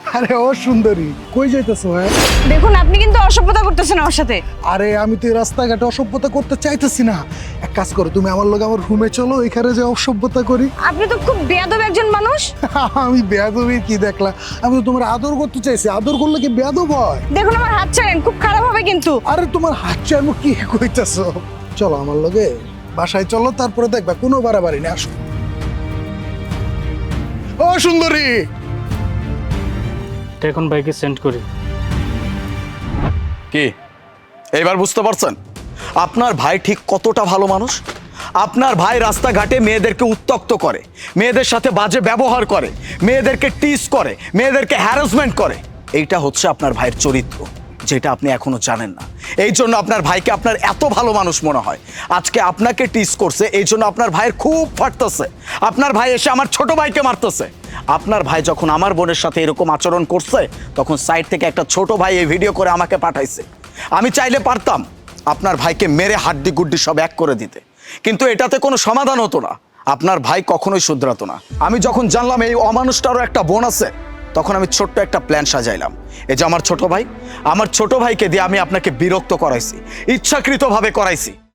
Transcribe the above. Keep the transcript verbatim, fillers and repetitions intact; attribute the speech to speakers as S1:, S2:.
S1: আরে ও সুন্দরী, কই যাইতেছো? হ্যাঁ
S2: দেখুন আপনি কিন্তু অসভ্যতা করতেছেন আমার সাথে।
S1: আরে আমি তো এই রাস্তাঘাটে অসভ্যতা করতে চাইতেছি না। এক কাজ করো, তুমি আমার লগে আমার রুমে চলো, এখানে যে অসভ্যতা করি।
S2: আপনি তো খুব বেয়াদব একজন মানুষ।
S1: আমি বেয়াদবি কি দেখলা? আমি তো তোমার আদর করতে চাইছি, আদর করলে কি বেয়াদব হয়?
S2: দেখুন আমার হাত ছাড়েন, খুব খারাপ হবে কিন্তু।
S1: আরে তোমার হাত চাইমু কি কইতাছো? চলো আমার লগে বাসায় চলো, তারপরে দেখবা কোনো বাড়াবাড়ি নেই। আসো। ও সুন্দরী,
S3: এটা এখন বাইকে সেন্ড করি।
S4: কি এইবার বুঝতে পারছেন আপনার ভাই ঠিক কতটা ভালো মানুষ? আপনার ভাই রাস্তাঘাটে মেয়েদেরকে উত্ত্যক্ত করে, মেয়েদের সাথে বাজে ব্যবহার করে, মেয়েদেরকে টিজ করে, মেয়েদেরকে হ্যারাসমেন্ট করে। এইটা হচ্ছে আপনার ভাইয়ের চরিত্র, যেটা আপনি এখনো জানেন না। এই জন্য আপনার ভাইকে আপনার এত ভালো মানুষ মনে হয়। আজকে আপনাকে টিজ করছে, এই জন্য আপনার ভাইয়ের খুব ফাটতেছে। আপনার ভাই এসে আমার ছোট ভাইকে মারতেছে। আপনার ভাই যখন আমার বোনের সাথে এরকম আচরণ করছে, তখন সাইড থেকে একটা ছোট ভাই এই ভিডিও করে আমাকে পাঠাইছে। আমি চাইলে পারতাম আপনার ভাইকে মেরে হাড্ডি গুড্ডি সব এক করে দিতে, কিন্তু এটাতে কোনো সমাধান হতো না। আপনার ভাই কখনোই শুধরাতো না। আমি যখন জানলাম এই অমানুষটারও একটা বোন আছে, তখন আমি ছোট্ট একটা প্ল্যান সাজাইলাম। এই যে আমার ছোট ভাই, আমার ছোট ভাইকে দিয়ে আমি আপনাকে বিরক্ত করাইছি, ইচ্ছাকৃতভাবে করাইছি।